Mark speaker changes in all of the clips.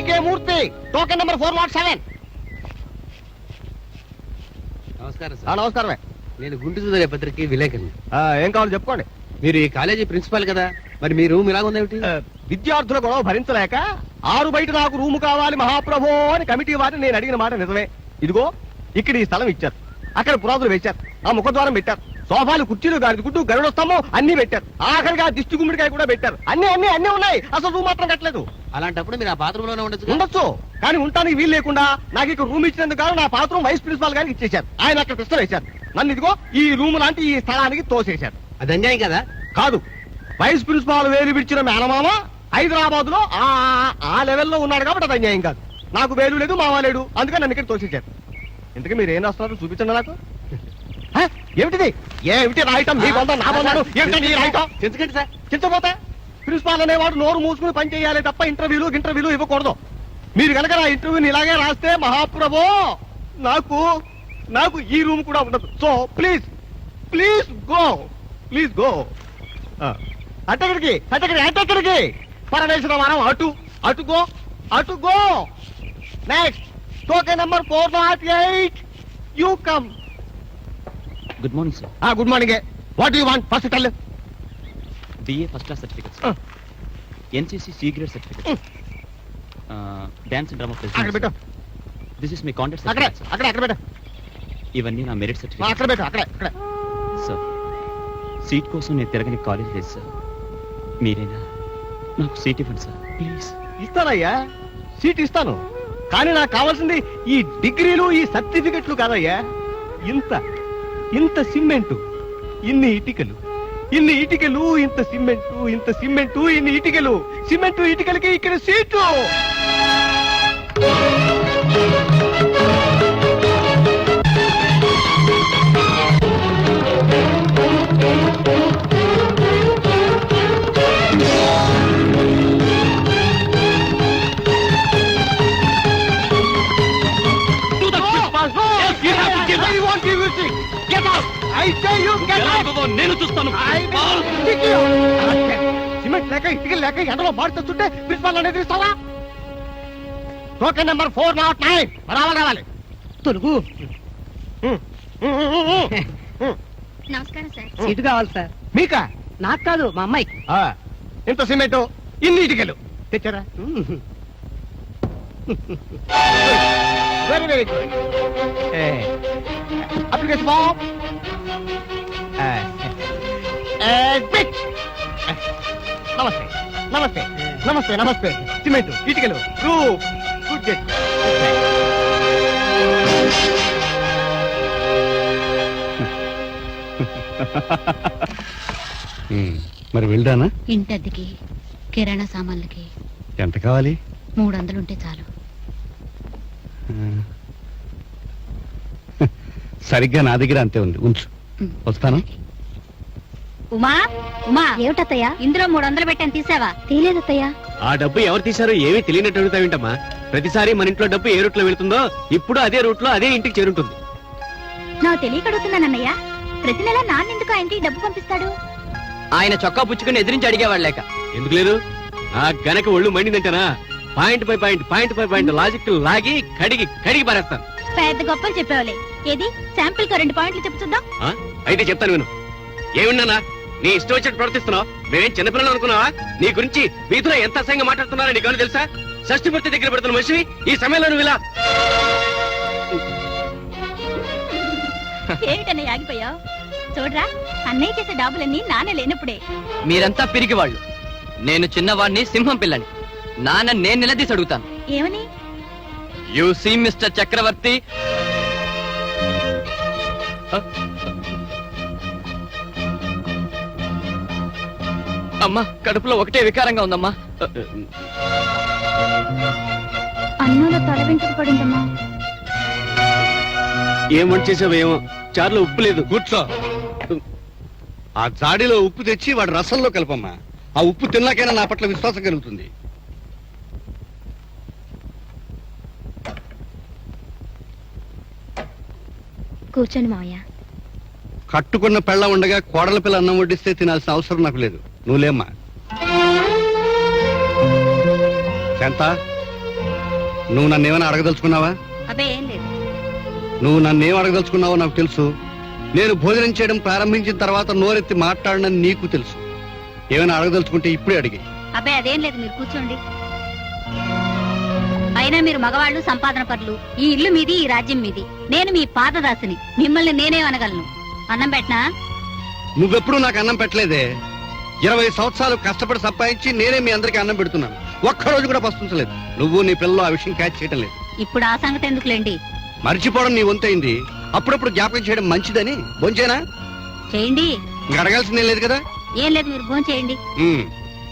Speaker 1: పీకే మూర్తి, token number 407.
Speaker 2: నమస్కారం sir.
Speaker 1: నమస్కారమే.
Speaker 2: నేను గుంటూరు పత్రిక విలేకరుని.
Speaker 1: ఏం కావాలి చెప్పుకోండి.
Speaker 2: మీరు ఈ కాలేజీ ప్రిన్సిపాల్ కదా, మరి మీ రూమ్ ఇలాగుందేమిటి?
Speaker 1: విద్యార్థుల గొడవ భరించలేక 6 బయట నాకు రూము కావాలి మహాప్రభో అని కమిటీ వారిని నేను అడిగిన మాట నిజమే. ఇదిగో ఇక్కడ ఈ స్థలం ఇచ్చారు, అక్కడ పురాతులు వేశారు, ఆ ముఖద్వారం పెట్టారు, సోఫాలు, కుర్చీలు, గాడి గుడ్డు, గరుడ స్తంభం అన్ని పెట్టారు, ఆఖరిగా దిష్టి గుమ్మిడికాయ కూడా పెట్టారు. అన్ని అన్ని అన్ని ఉన్నాయి, అసలు రూమ్ మాత్రం కట్టలేదు.
Speaker 2: అలాంటప్పుడు మీరు ఆ బాత్రూమ్ లోనే
Speaker 1: ఉండొచ్చు, కానీ ఉంటానికి వీలు లేకుండా నాకు ఇక్కడ రూమ్ ఇచ్చినందుకు నా పాత్రం వైస్ ప్రిన్సిపాల్ గారికి ఇచ్చేశారు. ఆయన అక్కడ ప్రశ్న వేశారు, నన్ను ఇదిగో ఈ రూమ్ లాంటి ఈ స్థలానికి తోసేశారు.
Speaker 2: అది అన్యాయం కదా?
Speaker 1: కాదు, వైస్ ప్రిన్సిపాల్ వేలు విడిచిన మేనమామ హైదరాబాద్ లో ఆ లెవెల్లో ఉన్నాడు కాబట్టి అది అన్యాయం కాదు. నాకు వేలు లేదు, మామ లేడు, అందుకని నన్ను ఇక్కడ తోసేశారు. ఇంతకీ మీరు ఏం రాస్తున్నారు చూపించండి నాకు. ఏమిటిది? ఏమిటి రాయటం? మీ బంధం నా బంధాలు ఏమిటండి రాయటం?
Speaker 2: ఎందుకంటే సార్
Speaker 1: చింతపోతే ప్రిన్సిపాల్ అనేవాడు నోరు మూసుకుని పని చేయాలి తప్ప ఇంటర్వ్యూలు ఇవ్వకూడదు. మీరు కనుక నా ఇంటర్వ్యూని ఇలాగే రాస్తే మహాప్రభో నాకు ఈ రూమ్ కూడా ఉండదు. So please go. అటెక్కడికి పరమేశ్వరవరం అటు go. Next token number 408. You come.
Speaker 3: Good morning sir.
Speaker 1: Good morning. What you want? First tell.
Speaker 3: BA first class certificate, NCC C grade certificate, dance and drama president. This is my contact certificate.
Speaker 1: అక్కడ
Speaker 3: ఇవన్నీ నా merit certificate.
Speaker 1: అక్కడ
Speaker 3: sir, seat కోసం నేను తిరగని college లేదు sir. మీరేనా నాకు సీట్ ఇవ్వండి సార్, ప్లీజ్.
Speaker 1: ఇస్తానయ్యా, సీట్ ఇస్తాను, కానీ నాకు కావాల్సింది ఈ డిగ్రీలు, ఈ సర్టిఫికెట్లు కాదయ్యా. ఇంత సిమెంటు, ఇన్ని ఇటుకలు, ఇంత సిమెంటు, ఇన్ని ఇటుకలు, ఇటుకలకి ఇక్కడ సీటు.
Speaker 3: నేను చూస్తాను.
Speaker 1: సిమెంట్ లేక ఇటుకలు లేక ఎండలో మాడుతుంటే ప్రిన్సిపాల్ అనేది ఇస్తావా? టోకెన్ నెంబర్ 409 రావాలి.
Speaker 4: తొలుగు.
Speaker 5: నమస్కారం సార్.
Speaker 4: సీటు కావాలి సార్.
Speaker 1: మీకా?
Speaker 4: నాకు కాదు, మా అమ్మాయికి.
Speaker 1: ఇంత సిమెంట్, ఇన్ని ఇటుకలు తెచ్చారా? Very good. Application form. నమస్తే. సిమెంట్, ఇటుకలు, రూఫ్, గుడ్ గెట్.
Speaker 2: మరి వెళ్ళానా?
Speaker 5: ఇంటద్దెకి, కిరాణా సామాన్లకి
Speaker 2: ఎంత కావాలి?
Speaker 5: 300 ఉంటే చాలు.
Speaker 2: సరిగ్గా నా దగ్గర అంతే ఉంది, ఉంచు. వస్తాను.
Speaker 5: ఉమా ఏమిటత్తయ్యా? ఇందులో 300 పెట్టాను, తీసావా? తీలేదత్తయ్యా.
Speaker 2: ఆ డబ్బు ఎవరు తీశారో ఏమీ తెలియనట్టు అడుగుతావేంటమ్మా? ప్రతిసారి మన ఇంట్లో డబ్బు ఏ రూట్ లో వెళ్తుందో ఇప్పుడు అదే రూట్ లో అదే ఇంటికి చేరుంటుంది.
Speaker 5: నాకు తెలియక అడుగుతున్నానన్నయ్యా. ప్రతి నెల నాన్నెందుకు ఆ ఇంటికి డబ్బు పంపిస్తాడు?
Speaker 3: ఆయన చొక్కా పుచ్చుకుని ఎదిరించి అడిగేవాడు లేక.
Speaker 2: ఎందుకు లేదు? ఆ గనక ఒళ్ళు మండిందంటేనా పాయింట్ పై పాయింట్ లాజిక్ లాగి కడిగి పారేస్తాను.
Speaker 5: పెద్ద గొప్పలు చెప్పేవాళ్ళే. ఏది శాంపిల్ కు 2 పాయింట్లు చెప్పు చూద్దాం.
Speaker 2: అయితే చెప్తాను విను. ఏమిన్నానా నీ ఇష్టం వచ్చినట్టు ప్రవర్తిస్తున్నావు? మేమేం చిన్నపిల్లలు అనుకున్నావా? నీ గురించి వీధిలో ఎంత అసహ్యంగా మాట్లాడుతున్నారో నీకు తెలుసా? షష్ఠిపూర్తి దగ్గర పెడుతున్న మనిషివి ఈ సమయంలో నువ్వు ఇలా
Speaker 5: ఏమిటన్నయ్య ఆగిపోయావు? చూడరా, అన్నయ్య చేసే డాబులన్నీ నాన్న లేనప్పుడే.
Speaker 3: మీరంతా పిరిగివాళ్ళు. నేను చిన్నవాడిని, సింహం పిల్లని. నాన్న నేను నిలదీసి అడుగుతాను.
Speaker 5: ఏమని?
Speaker 3: యు సీ మిస్టర్ చక్రవర్తి, అమ్మా కడుపులో ఒకటే వికారంగా ఉందమ్మా.
Speaker 5: అన్నంలో తల వెంటకు పడిందమ్మా.
Speaker 2: ఏం వంట చేసావేమో, చారులో ఉప్పు లేదు. కూర్చో. ఆ జాడీలో ఉప్పు తెచ్చి వాడి రసంలో కలపమ్మా. ఆ ఉప్పు తిన్నాకైనా నా పట్ల విశ్వాసం కలుగుతుంది.
Speaker 5: కూర్చోండి మావయ్య.
Speaker 2: కట్టుకున్న పెళ్ళ ఉండగా కోడల పిల్ల అన్నం వడ్డిస్తే తినాల్సిన అవసరం నాకు లేదు. నువ్వులేమ్మా. శాంత,
Speaker 6: నువ్వు నన్నేమైనా అడగదలుచుకున్నావా?
Speaker 5: అబ్బే ఏం లేదు.
Speaker 6: నువ్వు నన్నేం అడగదలుచుకున్నావో నాకు తెలుసు. నేను భోజనం చేయడం ప్రారంభించిన తర్వాత నోరెత్తి మాట్లాడనని నీకు తెలుసు. ఏమైనా అడగదలుచుకుంటే ఇప్పుడే అడిగి.
Speaker 5: అబ్బే అదేం లేదు, మీరు కూర్చోండి. అయినా మీరు మగవాళ్ళు, సంపాదన పరులు. ఈ ఇల్లు మీది, ఈ రాజ్యం మీది. నేను మీ పాదదాసిని. మిమ్మల్ని నేనేమనగలను? అన్నం పెట్టనా?
Speaker 6: నువ్వెప్పుడు నాకు అన్నం పెట్టలేదే. 20 సంవత్సరాలు కష్టపడి సంపాదించి నేనే మీ అందరికి అన్నం పెడుతున్నాను. ఒక్కరోజు కూడా పస్తుంచలేదు. నువ్వు నీ పిల్లలు ఆ విషయం క్యాచ్ చేయడం లేదు.
Speaker 5: ఇప్పుడు ఆ సంగతి ఎందుకులేండి,
Speaker 6: మర్చిపోవడం నీ వంతైంది. అప్పుడప్పుడు జ్ఞాపకం చేయడం మంచిదని. భోంచేనా?
Speaker 5: చేయండి.
Speaker 6: ఇంకా అడగాల్సిందేం లేదు కదా.
Speaker 5: ఏం లేదు, మీరు భోజనం చేయండి.
Speaker 6: ఉమ్.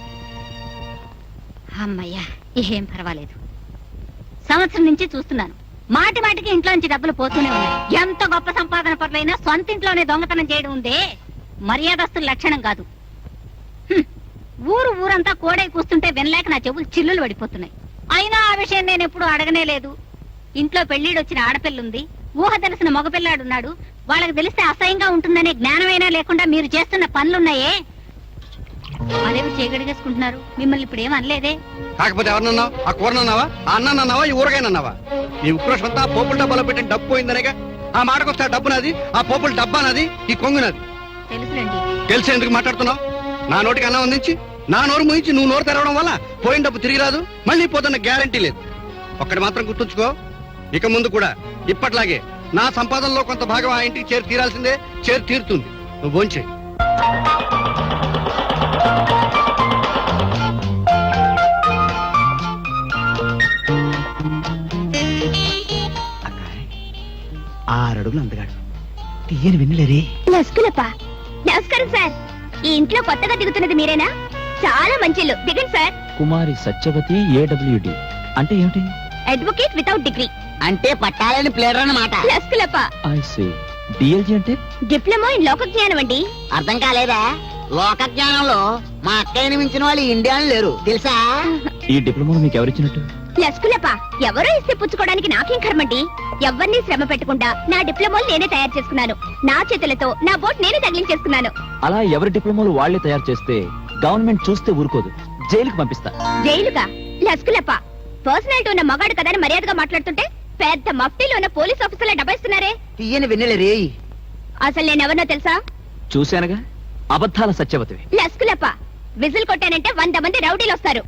Speaker 5: అమ్మయ్యా, ఏం పర్వాలేదు. సంవత్సరం నుంచి చూస్తున్నాను, మాటి మాటికి ఇంట్లోంచి డబ్బులు పోతూనే ఉన్నాయి. ఎంత గొప్ప సంపాదన పరులైనా సొంత ఇంట్లోనే దొంగతనం చేయడం ఉందే మర్యాదస్తుల లక్షణం కాదు. హ్మ్. ఊరంతా కోడై కూస్తుంటే వినలేక నా చెవులు చిల్లులు పడిపోతున్నాయి. అయినా ఆ విషయం నేను ఎప్పుడు అడగనే లేదు. ఇంట్లో పెళ్లిడొచ్చిన ఆడపిల్లుంది, ఊహ తెలిసిన మగపిల్లాడున్నాడు. వాళ్ళకి తెలిస్తే అసహ్యంగా ఉంటుందనే జ్ఞానమైనా లేకుండా మీరు చేస్తున్న పనులున్నాయే, అదేమి చేయగడిగేసుకుంటున్నారు. మిమ్మల్ని ఇప్పుడు ఏం అనలేదే.
Speaker 6: కాకపోతే ఎవరినన్నావు? ఆ కూరనన్నావా? ఆ అన్నానన్నావా? ఈ ఊరగాయనన్నావా? నీ ఉక్రోషం అంతా ఆ పోపుల డబ్బాలో పెట్టిన డబ్బు పోయిందనేగా. ఆ మాటకొస్తే ఆ డబ్బు నాది, ఆ పోపుల డబ్బా నాది, ఈ కొంగు నాది.
Speaker 5: తెలుసులేండి.
Speaker 6: తెలిసి ఎందుకు మాట్లాడుతున్నావు? నా నోటికి అన్నం అందించి నా నోరు ముయించి నువ్వు నోరు తెరవడం వల్ల పోయిన డబ్బు తిరిగి రాదు, మళ్ళీ పోతున్న గ్యారంటీ లేదు. ఒక్కటి మాత్రం గుర్తుంచుకో, ఇక ముందు కూడా ఇప్పట్లాగే నా సంపాదనలో కొంత భాగం ఆ ఇంటికి చేరి తీరాల్సిందే, చేరి తీరుతుంది. నువ్వు భోంచే.
Speaker 1: ఆరడుగులు అందగాడు, తీయని వెన్నెలరే.
Speaker 5: లస్కులప్ప, నమస్కారం సార్. ఈ ఇంట్లో కొత్తగా దిగుతున్నది మీరేనా? చాలా మంచి ఇల్లు, దిగండి సార్.
Speaker 3: కుమారి సత్యవతి ఏడబ్ల్యూడి అంటే ఏమిటి?
Speaker 5: Advocate without degree.
Speaker 4: అంటే పట్టాలని ప్లేడర్ అన్నమాట.
Speaker 5: లస్కులప్ప,
Speaker 3: ఐ సీ. డిఎల్జీ అంటే?
Speaker 5: డిప్లొమా ఇన్ లోక జ్ఞానం అండి.
Speaker 4: అర్థం కాలేదా? లోక జ్ఞానంలో మా అక్కయ్యని మించిన వాళ్ళు ఇండియాలో లేరు తెలుసా?
Speaker 3: ఈ డిప్లొమా మీకు ఎవరిచ్చినట్టు?
Speaker 5: లస్కులప్ప, ఎవరో ఇస్తే పుచ్చుకోవడానికి నాకేం కర్మండి. ఎవరిని శ్రమ పెట్టకుండా నా డిప్లొమాలు నేనే తయారు చేసుకున్నాను. నా చేతులతో నా బోట్ నేనే తగిలించేసుకున్నాను.
Speaker 3: అలా ఎవరి డిప్లొమాలు వాళ్లే తయారు చేస్తే గవర్నమెంట్ చూస్తే ఊరుకోదు, జైలుకి పంపిస్తా.
Speaker 5: జైలుగా? లస్కులప్ప, పర్సనాలిటీ ఉన్న మగాడు కదా అని మర్యాదగా మాట్లాడుతుంటే పెద్ద మఫ్టీలో ఉన్న పోలీస్ ఆఫీసర్ల డబ్బిస్తున్నారే.
Speaker 4: తీయని వెన్నెల రే.
Speaker 5: అసలు నేనెవరినో తెలుసా?
Speaker 3: చూశానుగా, అబద్ధాల సత్యవతివి.
Speaker 5: లస్కులప్ప, విజిల్ కొట్టానంటే 100 మంది రౌడీలు వస్తారు.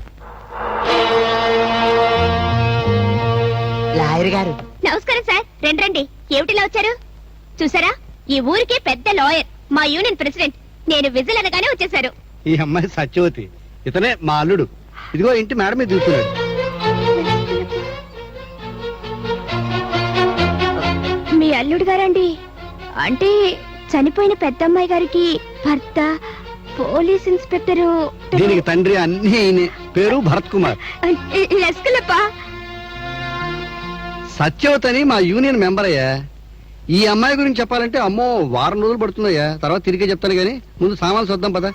Speaker 4: లాయర్ గారు
Speaker 5: నమస్కారం సార్. రండి. ఏమిటిలా వచ్చారు? చూసారా, ఈ ఊరికి పెద్ద లాయర్, మా యూనియన్ ప్రెసిడెంట్. నేను విజిల్ అనగానే వచ్చేసారు.
Speaker 6: ఈ అమ్మాయి సత్యవతి, ఇతనే మా అల్లుడు. ఇదిగో ఇంటి మేడ మీద చూస్తున్నాడు.
Speaker 5: మీ అల్లుడు గారండి? అంటే చనిపోయిన పెద్దమ్మాయి గారికి భర్త పోలీస్ ఇన్స్పెక్టరు.
Speaker 6: దీనికి తండ్రి అన్ని ఈయనే. పేరు భరత్ కుమార్.
Speaker 5: లస్కులప్ప,
Speaker 6: సత్యవతి అని మా యూనియన్ మెంబర్ అయ్యా. ఈ అమ్మాయి గురించి చెప్పాలంటే అమ్మో వారం రోజులు పడుతుందయ్యా. తర్వాత తిరిగే చెప్తాను గానీ ముందు సామాన్లు చూద్దాం పద.